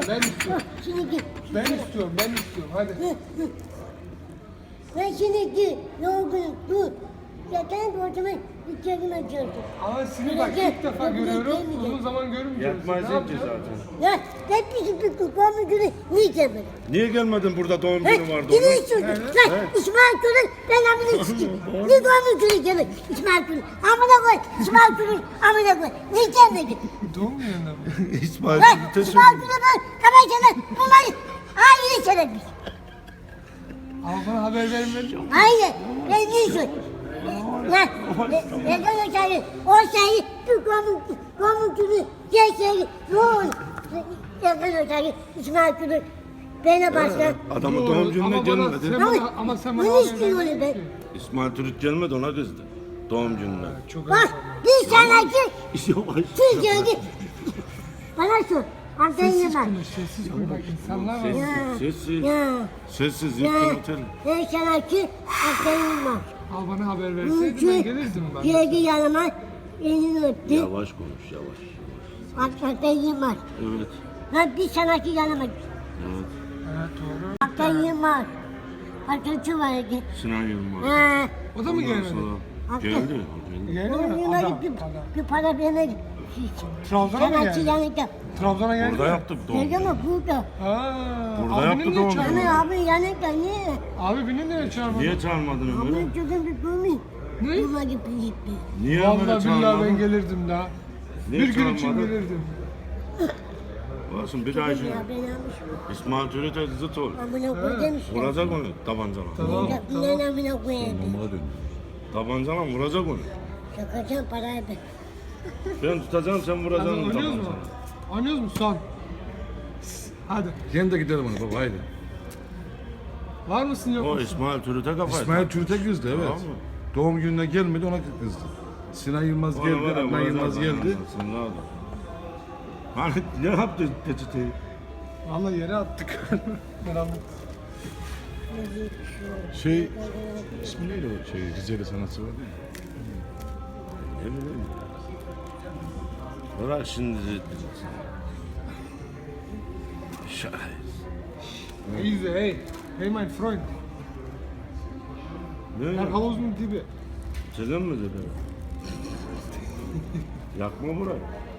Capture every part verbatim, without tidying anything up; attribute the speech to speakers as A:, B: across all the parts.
A: Ben istiyorum.
B: Şimdi git.
A: Ben istiyorum, ben istiyorum. Hadi.
B: Ben şimdi git. Yorgunum. Dur. Zaten borcumu bir kelime gördüm.
A: Ama seni bak ilk defa görüyorum. Uzun zaman görmeyeceğim.
C: Yatmazsın ki zaten.
B: Ya hep bizim bir kukamı günü niye gelmedi?
C: Niye gelmedin burada doğum
B: He,
C: günü vardı
B: yine
C: onun?
B: istiyorsun. Lan İsmail Gül'ün ben amına sikeyim. Niye doğum günü gelmedi? İsmail Gül'ün. Amına koy. İsmail Gül'ün amına koy. Niye gelmedi?
A: Doğum gününde mi?
C: İsmail
B: Lan
C: Türüt'e
B: İsmail Gül'ün ben kamerayla bunları aynı söylemiş.
A: Ama bana haber vermedin.
B: Hayır. Ben niye söyleyeyim? Lan neden o şeyi? O şeyi bu doğum doğum günü geçseydi ne olur? Neden o şeyi İsmail Gül'ün bana başla.
C: Adamın doğum gününe
A: Ama bana-
C: gelmedi.
A: sen bana- ama sen bana
B: bunu
A: haber
B: istiyorum
A: vermedin
B: ben.
A: ki.
C: İsmail Türüt gelmedi ona kızdı. Doğum gününe.
A: Çok
B: Bak
A: önemli.
B: bir sanatçı
C: Yavaş.
B: Türkiye'de bana sor. Antalya'ya
A: Sessiz
B: bak.
A: konuş, sessiz konuş. Bak insanlar var.
C: Sessiz,
B: Ya.
C: sessiz.
B: Ya.
C: Sessiz,
B: Ya.
C: yıktın oteli.
B: Ben sanatçı Antalya'ya bak.
A: Al bana haber verseydin ben gelirdim ben.
B: Geldi yanıma elini öptü.
C: Yavaş konuş, yavaş.
B: Antalya'ya bak.
C: Evet,
B: Ben bir sanatçı yanıma.
C: evet.
A: Evet doğru.
B: Antalya'ya bak. Arkadaşı vardı.
C: Sinan Yılmaz.
B: Ha.
A: O da mı gelmedi?
C: Sonra geldi, o geldi.
A: Geldi
B: Onun
A: mi?
B: yanına
A: Adam,
B: gittim.
A: adam.
B: Bir para vermedi.
A: Trabzon'a mı
B: Sanatçı
A: geldi?
B: yanında.
A: Trabzon'a geldi
C: Burada
A: mi?
C: yaptık doğum
B: Geldi
C: günü.
B: ama burada.
A: Ha,
C: Burada
A: abinin
C: yaptı
A: niye
C: doğum
A: çağırmadın?
C: günü.
B: Hani abi yanında niye?
A: Abi beni niye çağırmadın?
C: Niye çağırmadın Ömer'i?
B: Abi çocuğum bir görmeyin.
A: Ne?
B: Buna gitti gitti.
C: Niye
A: Vallahi
C: Ömer'i
A: billahi ben
C: çağırmadın?
A: gelirdim daha.
C: Niye
A: Bir gün için
C: çağırmadın?
A: gelirdim.
C: Olsun bir daha işin.
B: Ya ben almışım.
C: İsmail Türüt'e zıt ol.
B: Amına koy demişler.
C: Vuracak onu tabancana.
A: Tamam.
B: Ya inan amına koyayım.
C: Tabancana vuracak onu.
B: Şakacağım parayı ben.
C: Ben tutacağım sen
A: Hadi
C: vuracaksın
A: oynuyoruz mu?
C: tabancana.
A: Oynuyoruz mu son? Hadi.
D: Yine de gidelim ona baba haydi.
A: Var mısın yok
C: O
A: musun?
C: İsmail Türüt'e kafayı.
D: İsmail Türk'e kızdı evet.
C: Tamam mı?
D: Doğum gününe gelmedi ona kızdı. Sinan Yılmaz
C: Vay, vay,
D: geldi, Adnan
C: vuracak
D: Yılmaz
C: onu.
D: geldi.
C: Sen ne oldu? Hani ne yaptı peçeteyi?
A: Vallahi yere attık. Merhaba.
D: Şey, ismi neydi o şey, Rizeli sanatçı vardı ya.
C: Ne bileyim. Bırak şimdi. Şahit.
A: Easy hey. Hey my friend.
C: Ne?
A: Her havuzun dibi.
C: Selam mı dedi? Yakma burayı.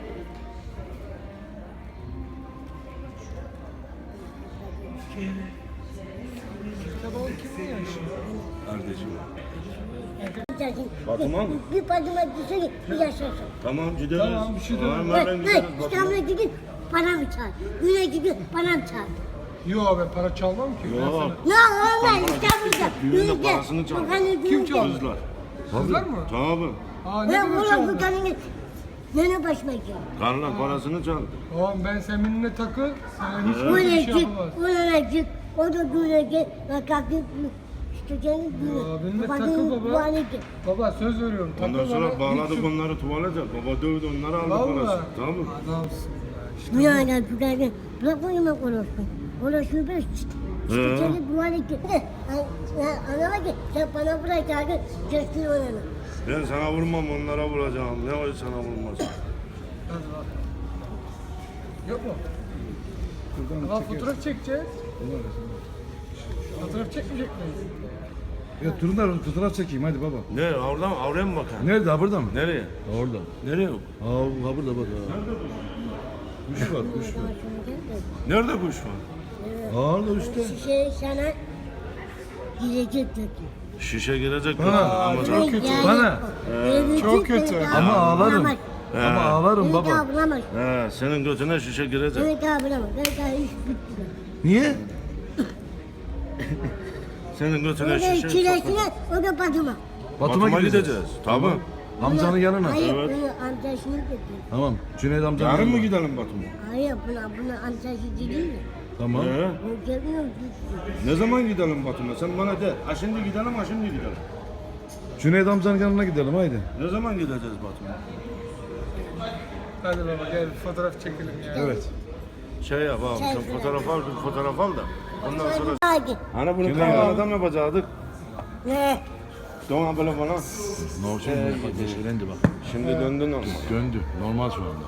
A: Tabii o kimin yani şimdi?
C: Kardeşim.
B: Gideceksin.
C: Fatıma mı?
B: Bir patıma düşsene bir yaşasın.
C: Tamam gideriz.
A: Tamam, bir şey demem.
C: Tamam,
B: Hey,
C: hemen
B: hey,
C: gideriz. Fatıma.
B: İstanbul'a gidin para mı çal? Güne gidin para mı çal?
A: Yo ben para çalmam ki. Ben
C: Yok.
A: sana-
B: Ya olmaz İstanbul'da.
C: Düğünde
B: Güne
C: parasını çaldı.
A: Kim çaldı?
C: Kızlar.
A: Kızlar mı?
C: Tabii.
A: Aa ne
B: Ben
A: kadar
B: oğlum bu
A: çaldı?
B: kadını nene başıma gidiyor.
C: Karlar parasını çaldı.
A: Tamam ben seninle takıl. Sana hiç
B: O
A: bir
B: ne
A: şey
B: cik,
A: yapamaz.
B: o ne cik, o da güne git, ben kalkıp işte senin
A: Ya, benimle
B: güne.
A: takıl baba.
B: Bu hale git.
A: Baba söz veriyorum.
C: Ondan
A: takıl
C: sonra
A: bana,
C: bağladık
A: hiç-
C: onları tuvalete. Baba dövdü onları aldı parası.
A: Vallahi.
C: Tamam mı?
A: Adamsın ya. İşte
B: Bu yana tutarken bırak oyuma konuşsun. Orası bir işte.
C: He.
B: İşte seni bu hale git. Anlama ki sen bana bırakacaksın, keskin olanı.
C: Ben sana vurmam onlara vuracağım. Ne o sana vurmaz.
A: Hadi bak. Yok mu?
D: Buradan
A: Aa,
D: çeker.
A: fotoğraf çekeceğiz. Fotoğraf çekmeyecek miyiz?
D: Ya durun da fotoğraf çekeyim hadi baba.
C: Ne oradan oraya mı bakayım?
D: Nerede ha burada mı?
C: Nereye?
D: Ha, orada.
C: Nereye?
D: Ha, ha burada bak. Ha. Kuş var kuş var.
C: Nerede kuş var?
D: Ha orada işte.
B: Şişe sana girecek dedi.
C: Şişe girecek.
D: Bana.
C: Ama
A: Çok kötü.
D: Bana.
A: Çok kötü.
D: Ama ağlarım.
B: Bulamaz.
D: Ama ağlarım
B: Beni
D: baba.
B: daha bulamaz.
C: He, senin götüne şişe girecek.
B: Beni daha bulamaz. Ben daha iş bitti.
D: Niye?
C: Senin götüne
B: O da
C: şişe
B: çilesine, o da Batum'a.
C: Batum'a gideceğiz. Tabii.
D: Amcanın yanına.
B: Hayır,
C: Evet.
B: bunu amcasını getirdi.
D: Tamam. Cüneyt amcanın
C: Yarın mı
D: yanına.
C: gidelim Batum'a?
B: Hayır, buna, buna amcası değil mi?
D: Tamam.
C: He.
B: O gelmiyor, gitti.
C: Ne zaman gidelim Batum'a? Sen bana de. Ha şimdi gidelim, ha şimdi gidelim.
D: Cüneyt amcanın yanına gidelim haydi.
C: Ne zaman gideceğiz Batum'a?
A: Hadi baba gel fotoğraf çekelim ya.
D: Evet.
C: Şey yap abi, sen fotoğraf al, bir fotoğraf al da. Ondan sonra...
B: Hadi.
C: Hani bunu
D: Kim
C: kameradan mı yapacaktık?
B: Ne?
C: Doğan böyle bana.
D: Ne olacak? Bak yeşillendi bak.
C: Şimdi döndün ama.
D: Döndü. Normal şu anda.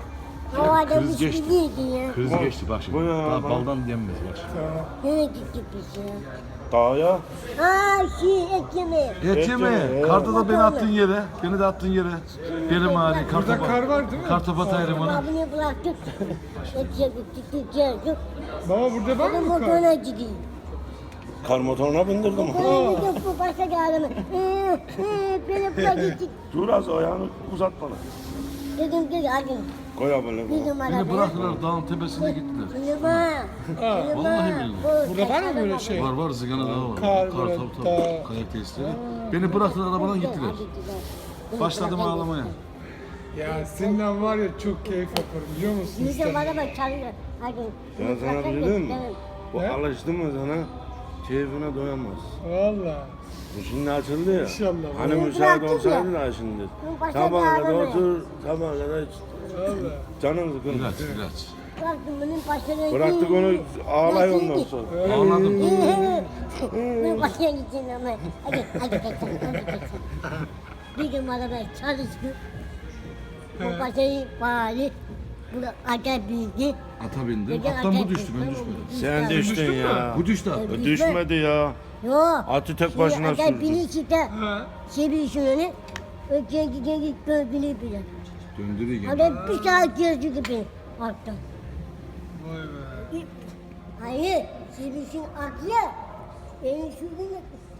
B: O adam
D: Kriz
B: hiç
D: geçti.
B: değildi ya.
D: Kriz geçti bak şimdi.
C: Bu ya,
D: Daha
C: bak.
D: baldan yenmez bak şimdi.
B: Nereye gittik biz ya?
C: Dağa.
B: Aa şey et yemeği.
D: Et yemeye. Karda da beni attığın yere. Beni de attığın yere. Benim hali.
A: Burada kar var değil mi?
D: Kartopat ayrımını.
B: Abini bıraktık. Et yedik, gittik, geldik.
A: Baba burada var
B: Ben
A: mı kar?
B: motoruna gideyim.
C: Kar motoruna bindirdim.
B: Motoruna gidip bu başa geldim. Ee, ee, beni bırak gittik.
C: Dur az ayağını uzat bana.
B: Dedim ki hadi.
C: Koy abone.
B: Bir numara.
D: Beni bıraktılar dağın tepesine gittiler.
B: Numara.
D: Vallahi billahi.
A: Burada var mı böyle şey?
D: Var var Zigana Dağı var.
A: Kar,
D: Kar
A: böyle
D: tabii
A: dağ.
D: tabii. Kayak tesisleri. Beni bıraktılar arabadan gittiler. Başladım ağlamaya.
A: Ya seninle var ya çok keyif yaparım biliyor musun?
B: Yüzüm
A: İstanbul?
B: bana bak çalıyor. Hadi.
C: Ben sana bir şey diyeyim mi? Bu
A: Ne?
C: alıştı mı sana keyfine doyamaz.
A: Valla.
C: Bu şimdi açıldı ya.
A: İnşallah.
C: Hani
B: Bunu
C: müsaade
B: bıraktım
C: olsaydı
B: ya.
C: da şimdi.
B: Bunu başa
C: Sabaha kadar
B: bağlamaya.
C: otur, sabaha kadar iç.
A: Valla.
C: Canın sıkıldı.
D: İlaç ilaç.
B: Bıraktım bunun başına.
C: Bıraktık onu ağlay ondan sonra.
D: Ağladım.
B: Bunun başına gideceğim ama. Hadi hadi kaçalım. Hadi kaçalım. Bir gün arabaya çalıştı. Bu başayı bari. Bunu acayip büyüdü.
D: Ata bindim.
B: Gece
D: Attan bu
B: acayip
D: düştü ben
B: büyüdü.
D: düşmedim.
C: Sen düştün ya.
D: Bu düştü at.
B: Evet.
C: Düşmedi ya.
B: Yok.
C: Atı tek başına
B: Acayip
C: sürdü.
B: biri çıktı.
A: Ha.
B: Şey bir şöyle. Öteki geri gördüğünü bile.
D: Döndürüyor gene.
B: Adam bir saat gördü gibi. Alttan.
A: Vay be.
B: Hayır, Sivris'in aklı benim şuradan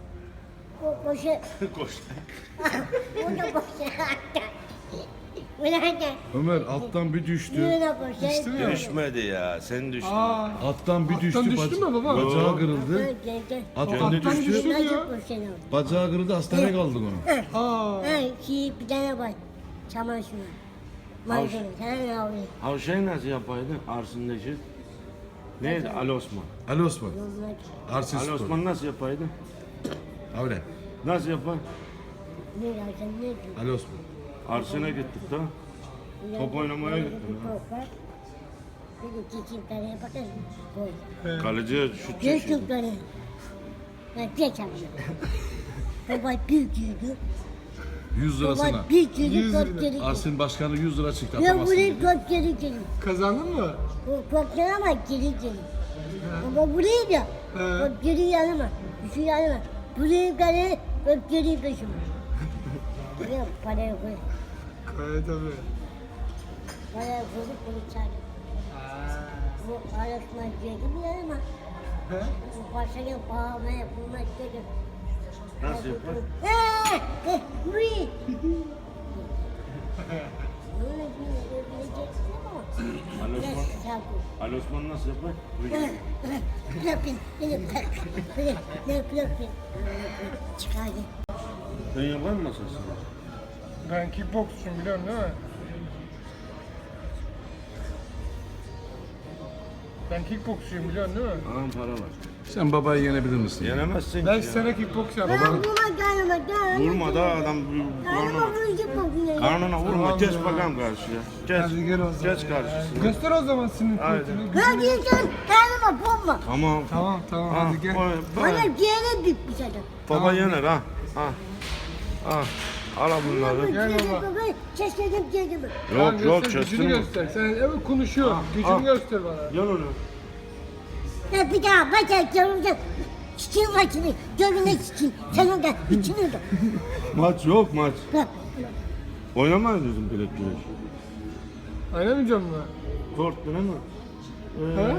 B: o boşa...
C: Koş.
B: O da boşa attı. Bu nerede?
D: Ömer alttan bir düştü.
B: Bu da boşa.
A: Düştü mü?
C: Düşmedi ya. Sen düştün.
A: Aa.
D: Attan bir düştü.
A: Attan düştü
D: bac-
A: mü baba?
D: Bacağı kırıldı.
B: Gel gel gel.
D: Attan
A: Attan
D: düştü.
A: düştü.
B: Nasıl
A: ya.
B: boşa oldu?
D: Bacağı kırıldı hastaneye kaldık onu.
A: Aa.
B: Ha, şey bir tane var. Çamaşır. Maydanoz, sen ne yapıyorsun?
C: Ha şey nasıl yapaydın? Arsındaki. Neydi? Ali Osman.
D: Ali Osman.
B: Yollar.
D: Arsin
C: Ali
D: Spor.
C: Osman nasıl yapaydın?
D: Öyle.
C: Nasıl yapar?
B: Ne yapıyorsun, ne diyorsun?
D: Ali Osman.
C: Arsene gittik da. Top oynamaya gittim ha.
B: Dedi çiçeklere bakın. Koy.
C: Kaleciye şut çekiyor.
B: Gözlükleri. Ben geç yapıyorum. Baba büyüktüydü.
D: yüz
B: Baba
D: lirasına.
B: büyüktüydü,
A: Yüz
B: top
A: lira.
B: geri.
D: Arsin Başkanı yüz lira çıktı.
B: Ben
D: Atamazsın
B: burayı
D: dedi.
B: top geri geri.
A: Kazandın mı?
B: O top geri ama geri geri. Baba burayı da.
A: He.
B: Top geri yanıma. Şu yanıma. Burayı geri, top geri peşime. Buraya parayı koy.
A: Evet tabii.
B: Parayı koyduk bunu çağırdık. Bu araştırma girdi mi yanıma?
A: He?
B: Bu parçayı bağlamaya bulmak dedim.
C: Nasıl yapar?
B: Eee! Eh, burayı. Böyle bir öldüreceksin ama.
C: Ali
B: Biraz
C: Osman.
B: sağ ol.
C: Ali Osman nasıl yapar?
B: Bırakın, beni bırak. Bırak, bırak, bırak. Çıkardı.
C: Sen yapar mısın masasını?
A: Ben kickboksçuyum biliyorsun değil mi? Ben kickboksçuyum biliyorsun değil mi?
C: Ağam para var.
D: Sen babayı yenebilir misin?
C: Yenemezsin
A: Ben
C: ki ya.
A: sana kickboks
B: Ben
A: yaptım.
B: vurma gelme, gelme.
C: Vurma da adam
B: Gelme
C: karnına,
B: vuracak bakın.
C: karnına vurma.
A: Tamam
C: Geç
A: ya.
C: bakalım karşıya. Geç.
A: Hadi gel o zaman.
C: Geç
A: ya.
C: karşısına.
A: Göster o zaman sinir
C: Haydi.
A: kuvvetini.
B: Ben diyeceğim, gelme bomba.
C: Tamam.
A: Tamam tamam
C: Ha,
A: hadi gel.
C: oy,
B: Bana
C: bak.
B: diğeri bitmiş adam.
C: Baba yener ha. Ha. Ha. Al bunları.
A: Gel baba.
B: Çeşmedim kendimi.
A: Tamam,
C: Yok yok
A: göster, gücünü
C: çöstün mü?
A: göster. Sen evet konuşuyor. Gücünü
C: al.
A: göster bana.
C: Yan onu.
B: Ya bir daha bacak görünce çiçeğin maçını görüne çiçeğin. Sen orada içini de.
C: Maç yok maç.
B: Bak.
C: Oynamayız bizim bilek güreş.
A: Oynamayacağım mı?
C: Korktun ama.
A: Ha?
C: Ee,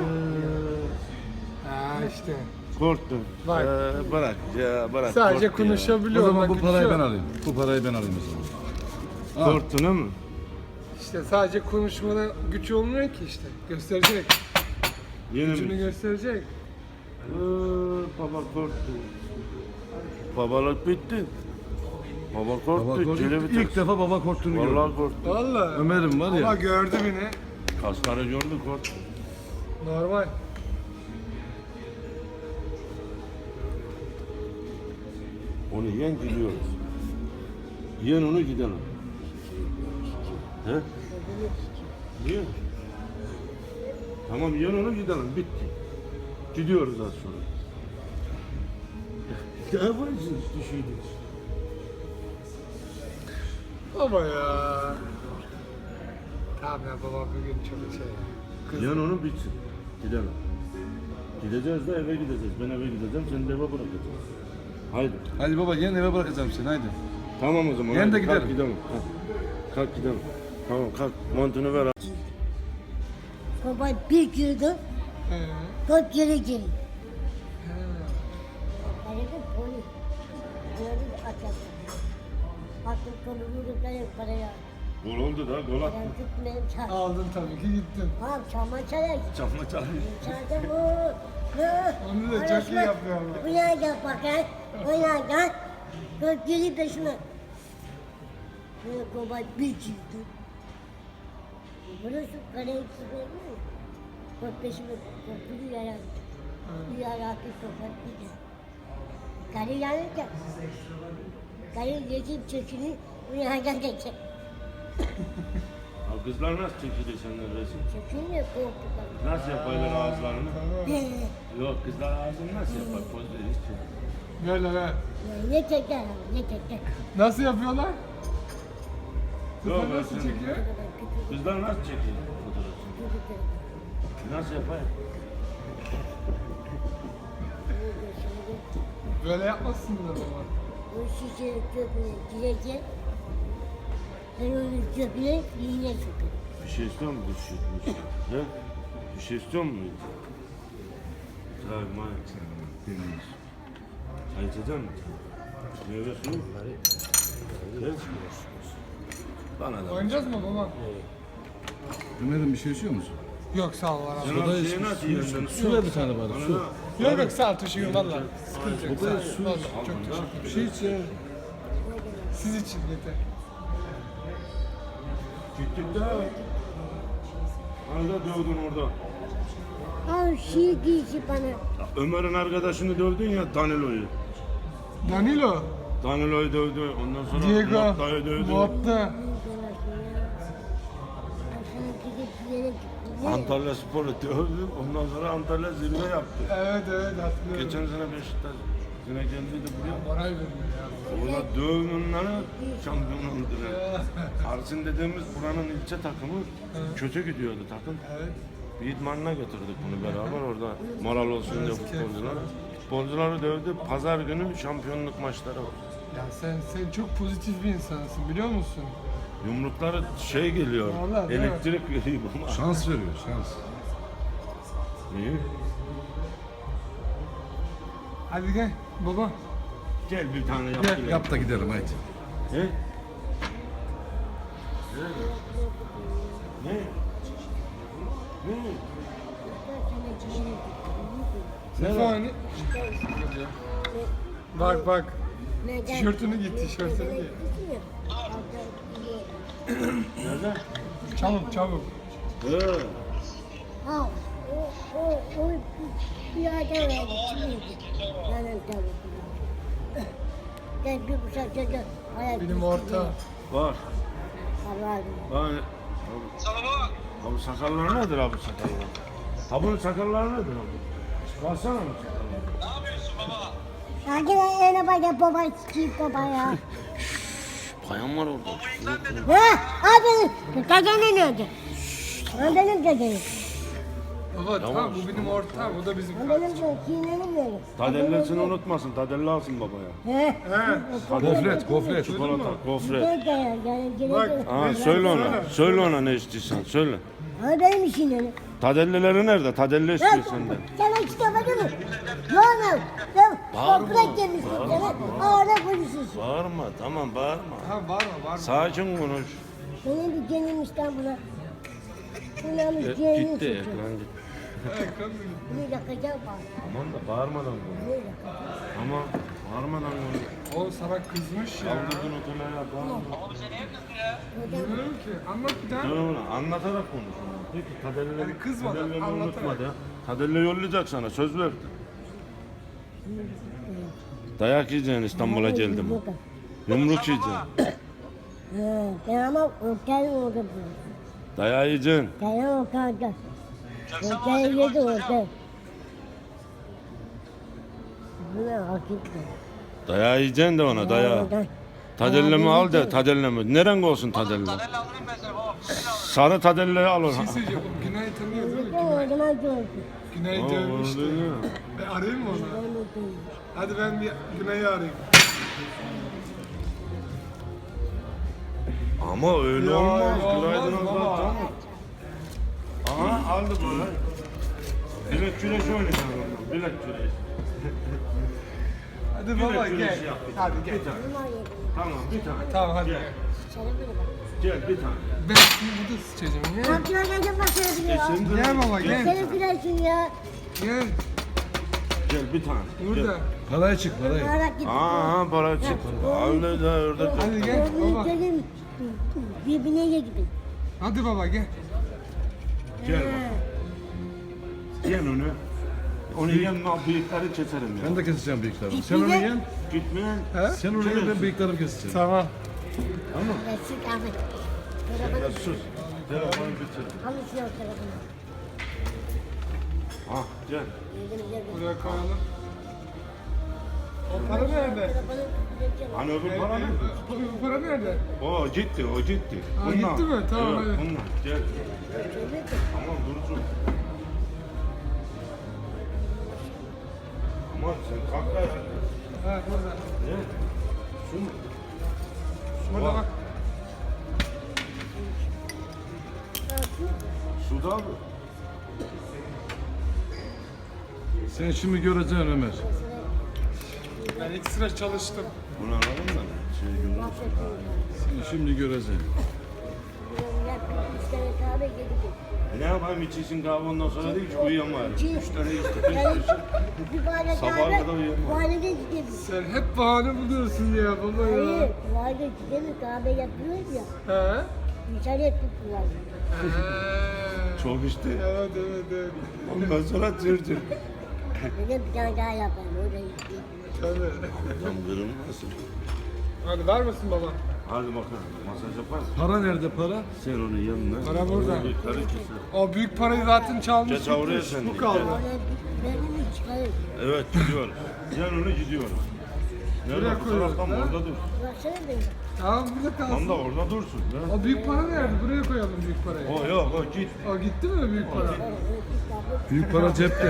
A: Ha işte.
C: korktun.
A: Bak.
C: Ee, bırak ya bırak.
A: Sadece
C: korktun ya.
D: O
A: konuşabiliyor.
D: zaman
A: bak,
D: bu parayı
A: gücü
D: ben
A: yok.
D: alayım. Bu parayı ben alayım o zaman.
C: Korktun ama.
A: İşte sadece konuşmada güç olmuyor ki işte. Gösterecek.
C: Yine
A: Gücünü
C: mi?
A: gösterecek.
C: Ee, baba korktu. Babalık bitti. Baba korktu.
D: Baba korktu.
C: Cile biter.
D: İlk defa baba korktuğunu gördüm.
C: Vallahi korktu.
A: Vallahi.
D: Ömer'im var ya.
A: Ama gördü beni.
C: Kasları gördü korktu.
A: Normal.
C: Onu yiyen gidiyoruz. Yiyen onu gidelim. He? Yiyen. Tamam yiyen onu gidelim. Bitti. Gidiyoruz az sonra. Ne yaparsınız düşüydünüz?
A: Baba ya. Tamam ya baba bugün çok şey. Kız.
C: Yan onu bitsin. Gidelim. Gideceğiz de eve gideceğiz. Ben eve gideceğim, seni de eve bırakacağım. Haydi.
D: Hadi baba gel eve bırakacağım seni haydi.
C: Tamam o zaman.
D: Yarın da
C: haydi, kalk
D: gidelim.
C: gidelim. Kalk. Kalk gidelim. Tamam kalk. Montunu ver.
B: Baba bir girdi,
A: He.
B: dört geri geri.
A: He.
B: Arada polis. Gördüm açalım. Baktım konumunu da yok paraya.
C: Gol oldu da gol attı.
B: Ben tutmayayım çağır.
A: Aldın tabii ki gittin.
B: Tamam çalma çalar.
C: Çalma çalıyor.
B: Çaldım o.
A: Onu da çok iyi yapıyor ama.
B: Bu yerden bakar. O yerden. Dört geri peşime. Böyle baba bir girdi. Burası kaleye çıkıyor mu? Dört peşime korkulu yarar. Bir yaratı sokak bir de. Kale yanınca. Kale yeşil çekini bu yerden geçer.
C: Abi kızlar nasıl çekilir senden resim?
B: Çekini korktular.
C: Nasıl yaparlar ağızlarını?
B: Ee,
C: Yok kızlar ağzını nasıl yapar? Poz verir hiç yok.
A: Böyle be.
B: Ne çeker abi, ne çeker.
A: Nasıl yapıyorlar?
C: Yok
A: Kızlar
C: ben
A: nasıl
C: seni-
A: çekiyor?
C: Kızlar nasıl çekiyor fotoğrafını? Nasıl yapar?
A: Böyle yapmazsın da baba.
B: O şişe köpüğüne girecek. Ben onun köpüğüne iğne sokarım.
C: Bir şey istiyor musun? Bir şey, bir şey. He? Bir şey istiyor musun? Çay, may. Çay içecek misin? Meyve suyu. He? Bana da.
A: Oynayacağız mı baba?
D: Ömer'im bir şey içiyor musun?
A: Yok sağ ol var abi.
C: Sen abi şeyi nasıl yiyorsun?
D: Su ver bir tane bari su.
A: Yok yok sağ ol teşekkür valla. Sıkıntı yok. Sağ ol.
D: su
A: Valla
D: iç.
A: çok teşekkür ederim.
D: Bir şey iç ya.
A: Siz için yeter.
C: Gittik de. Hani da dövdün orada.
B: Al şiir giysi bana.
C: Ya Ömer'in arkadaşını dövdün ya Danilo'yu.
A: Danilo.
C: Danilo'yu dövdü. Ondan sonra
A: Diego.
C: Motta'yı dövdü.
A: Motta.
C: Antalya Spor'u dövdü. Ondan sonra Antalya zirve yaptı.
A: Evet evet hatırlıyorum.
C: Geçen sene Beşiktaş yine geldiydi buraya.
A: Moral veriyor ya.
C: Ona dövünenleri şampiyon oldular. Arsin dediğimiz buranın ilçe takımı kötü gidiyordu takım.
A: Evet.
C: Bir idmanına götürdük bunu beraber orada moral olsun diye futbolcular. Futbolcuları dövdü. Pazar günü şampiyonluk maçları var.
A: Ya sen sen çok pozitif bir insansın biliyor musun?
C: Yumrukları şey geliyor,
A: Vallahi değil mi?
C: elektrik veriyor bana.
D: Şans veriyor şans.
C: İyi.
A: Hadi gel baba.
C: Gel bir tane yap.
A: Gel,
C: gidelim.
D: Yap da gidelim haydi.
C: He? Ne? Ne? Ne?
A: Sefa hani? Bak bak. Tişörtünü giy, tişörtünü giy.
C: Nerede?
A: Çabuk çabuk.
C: He.
B: Ha, o, o, o bir yerden verdi. Kimiydi? Yanın tabii. Ben bir bıçak çocuğum. Ayak
A: Benim orta.
C: Var.
B: Allah'ım.
C: Abi. Abi sakallar nedir abi sakallar? Ha bunun sakalları nedir abi? Çıkarsana mı sakalları?
B: Sanki ben en baba baba sikiyim baba ya.
C: Bayan var orada.
B: Ha, abi dedenin öldü. O benim dedenim.
A: Baba tamam bu benim ortam, bu da bizim
B: O
A: kardeşim.
B: benim de kinenim öldü.
C: Tadellasını unutmasın. Tadella alsın babaya.
B: He.
A: He.
D: Gofret gofret.
C: Çikolata, gofret.
B: Nerede ya? Yani
A: Bak.
B: geleceğim.
C: Ha söyle ona. Söyle ona ne istiyorsan söyle.
B: Ha benim işim yani.
C: Tadelleleri nerede? Tadelle istiyor senden.
B: Sana kitabını mı? Yok yok.
C: Bağırma,
B: Toprak yemişsin sana. Ağına konuşuyorsun.
C: Bağırma tamam bağırma.
A: Tamam bağırma bağırma.
C: Sakin konuş.
B: Benim bir genim İstanbul'a. Bunların
C: E,
B: genim
C: gitti
B: tutuyor.
C: ekran gitti.
A: Ekran mı gitti?
B: Bunu yakacağım bak.
C: Aman da bağırmadan konuş.
B: Bunu yakacağım.
C: Ama bağırmadan konuş.
A: Oğlum sana kızmış ya.
C: Kaldırdın otele ya bağırma.
A: Bilmiyorum ki. Anlat bir daha.
C: Dur ona anlatarak konuş. Peki Tadelle'leri
A: Hadi kızmadan,
C: Tadelle'leri
A: anlatarak.
C: unutma da. Tadelle yollayacak sana söz verdi. Dayak yiyeceksin İstanbul'a geldim. Yumruk yiyeceksin.
B: He, ben ama otel oldu bu.
C: Dayağı yiyeceksin.
B: Dayan otelde. Otel yedi otel. Bu ne hakikaten.
C: Dayağı yiyeceksin de ona dayağı. Tadellemi al de tadellemi. Neren olsun tadellemi?
E: Tadelle alırım ben sana baba.
C: Sarı tadelleri al
A: Bir
C: onu.
A: şey söyleyeceğim. O Günay'ı tanıyor değil mi?
B: O
A: Günay.
B: zaman gördüm.
A: Günay'ı
C: Aa,
A: dövmüştü.
C: öyle mi?
A: Ben arayayım mı onu? Hadi ben bir Günay'ı arayayım.
C: Ama öyle
A: Ya,
C: olmaz.
A: olmaz
C: Günaydın
A: baba.
C: Allah tamam. Aha aldı bunu. Bilek güreşi oynayacağım ondan. Bilek güreşi.
A: Hadi
C: Bilek
A: baba
C: güreşi
A: gel.
C: yap.
A: Hadi gel.
C: Bir tane. Tamam bir tane.
A: Tamam hadi.
C: Gel. Gel bir tane.
A: Ben şimdi burada sıçacağım. Gel.
B: Kapçılar gelecek başlayabiliyor.
C: Sen de-
A: Gel baba gel.
B: Senin güneşin ya.
A: Gel.
C: Gel bir tane.
A: Burada.
D: Parayı çık parayı.
B: Bağırak gitti.
C: Aa para çık. Öyle de öyle.
A: Hadi gel baba.
B: Gelin birbirine gibi.
A: Hadi baba gel.
C: Gel bak. Gel onu. Onu yenme bıyıkları keserim ya.
D: Ben de keseceğim bıyıklarımı. Sen onu yen.
C: Gitmeyen.
A: He?
D: Sen onu yen ben bıyıklarımı keseceğim.
A: Tamam.
B: Resim kahve.
C: Ya
B: Telefonu
C: sus. Telefonu bitir.
B: konuşuyor telefonu.
C: Ah gel.
B: Yedim yedim.
A: Buraya koyalım. O para nerede?
B: Telefonu geçiyor.
C: Hani öbür para ne?
A: Bu para nerede?
C: O gitti, o gitti.
A: Ha, gitti mi? Tamam,
C: evet,
A: hadi.
C: bunlar. Gel. Tamam dursun. Aman sen kalk da.
A: Ha burada.
C: Ne? Su mu?
A: Burada bak.
C: Suda mı?
D: Sen şimdi göreceksin Ömer.
A: Ben iki sıra çalıştım.
C: Bunu alalım da. Şey görürüz.
D: Sen şimdi göreceksin.
B: Üç tane kahve yedik.
C: E ne yapayım içiyorsun kahve ondan sonra değil ki uyuyamayalım.
B: İki.
C: Üç tane içtik.
B: Yani bir bardak
C: Sabaha
B: kahve.
C: kadar uyuyamam.
B: Valide gidelim.
A: Sen hep bahane buluyorsun ya baba ya.
B: Hayır, valide gidelim kahve yapıyoruz ya.
A: He?
B: İnternet tuttular.
A: He.
C: Çok içti.
A: Evet evet evet.
C: Ondan sonra tır tır.
B: Dedim bir tane daha yapalım. Orada gidelim.
A: Tabii.
C: Tam kırılmasın.
A: Hadi var mısın baba?
C: Hadi bakalım. Masaj yapar.
D: Para nerede para?
C: Sen onun yanına.
A: Para burada.
C: Bıyıkları keser.
A: O büyük parayı zaten çalmış.
C: Geç oraya
A: gitmiş.
C: sen de,
A: Bu kaldı.
C: gel.
B: Oraya benim çıkarım.
C: Evet gidiyoruz. Yan onu gidiyoruz. Nerede
A: Buraya
C: bu
A: koyuyoruz,
C: taraftan
A: ha?
C: orada dur.
B: Baksana benim.
A: Tamam burada
C: Tam
A: kalsın.
C: da orada dursun. Ya.
A: O büyük para nerede? Buraya koyalım büyük parayı.
C: O yok o git.
A: O gitti mi büyük para?
D: Büyük para cepte.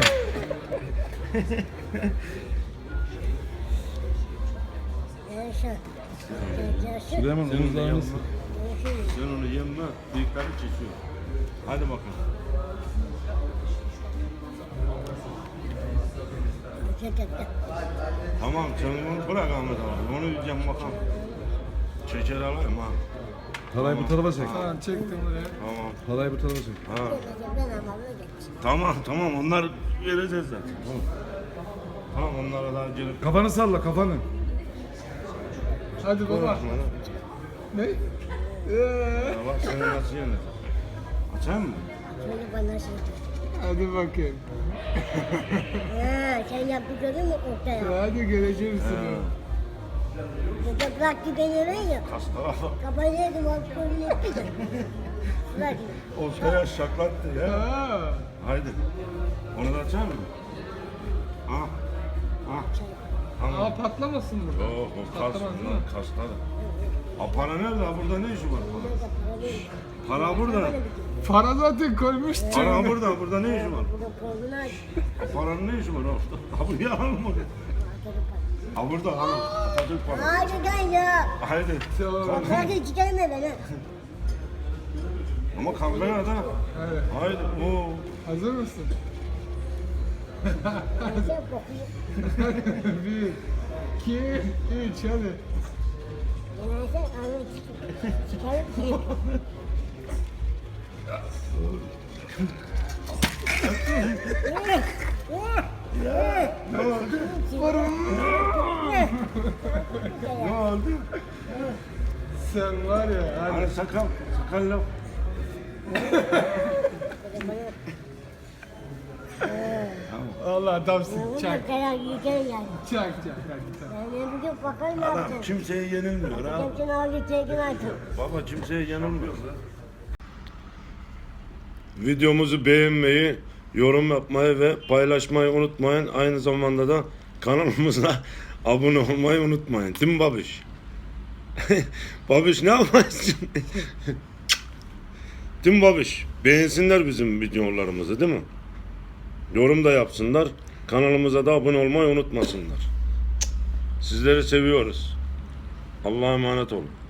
B: Yaşa. Yaşa.
D: Süleyman
C: Senin de
D: omuzlarını
C: yanına.
D: sık.
C: Sen onu yemme. Bıyıkları kesiyor. Hadi bakalım. Tamam sen onu bırak Ahmet abi. Onu yiyeceğim bakalım. Şeker alayım ha.
D: Parayı bu tarafa çek.
A: Tamam çektim buraya.
C: Tamam.
D: Parayı bu tarafa çek.
C: Ha. Tamam tamam onlar vereceğiz zaten. Tamam. Tamam onlara daha gelip.
D: Kafanı salla kafanı.
A: Hadi baba. Ne? Ee,
C: Ya bak seni nasıl yenir? Açayım mı?
B: Şöyle bana şey.
A: hadi bakayım.
B: Ha, sen yaptıkları mı ortaya?
A: Hadi göreceğim
C: Ha.
A: seni.
B: Burada bıraktı beni ben ya.
C: Kastala bak.
B: Kafayı yedim, o kolunu etti de. Bırak.
C: Ortaya şaklattı ya.
A: Ha.
C: Haydi. Onu da açar mı? Ah. Ah. Tamam.
A: Aa patlamasın burada.
C: Yok o kas.
A: Patlamaz değil mi?
C: Kaslar. Ha para nerede? Ha, burada ne işi var? Para, para burada.
A: Para zaten koymuş.
C: Para burada. Burada ne işi var?
B: Burada kolunu aç.
C: Ha, paranın ne işi var orada? Ha buraya alma. Ha burada alın. Atatürk para.
B: Hadi gel ya.
C: Haydi.
A: Tamam.
B: Hadi çıkarma beni.
C: Ama kalkmaya da.
A: Evet.
C: Haydi. Oo.
A: Hazır mısın?
B: Sen kokuyor.
A: Bir, iki, üç hadi.
B: Genelde ağzını çık- çıkarıp
C: Ne oldu? Ne oldu?
A: Sen var ya hadi.
C: Hani sakal. Sakal laf.
A: Allah adamsın.
B: Bunu
A: Çak.
B: da karar yiyeceğim yani.
A: Çak çak hadi tamam.
B: Ben ne bileyim bakalım ne
C: Adam
B: yapacağım.
C: kimseye yenilmiyor ha.
B: Kimsenin ağzı çekin açın.
C: Baba kimseye yenilmiyor. Videomuzu beğenmeyi, yorum yapmayı ve paylaşmayı unutmayın. Aynı zamanda da kanalımıza abone olmayı unutmayın. Değil mi babiş? Babiş ne yaparsın? Değil mi babiş? Beğensinler bizim videolarımızı değil mi? Yorum da yapsınlar. Kanalımıza da abone olmayı unutmasınlar. Sizleri seviyoruz. Allah'a emanet olun.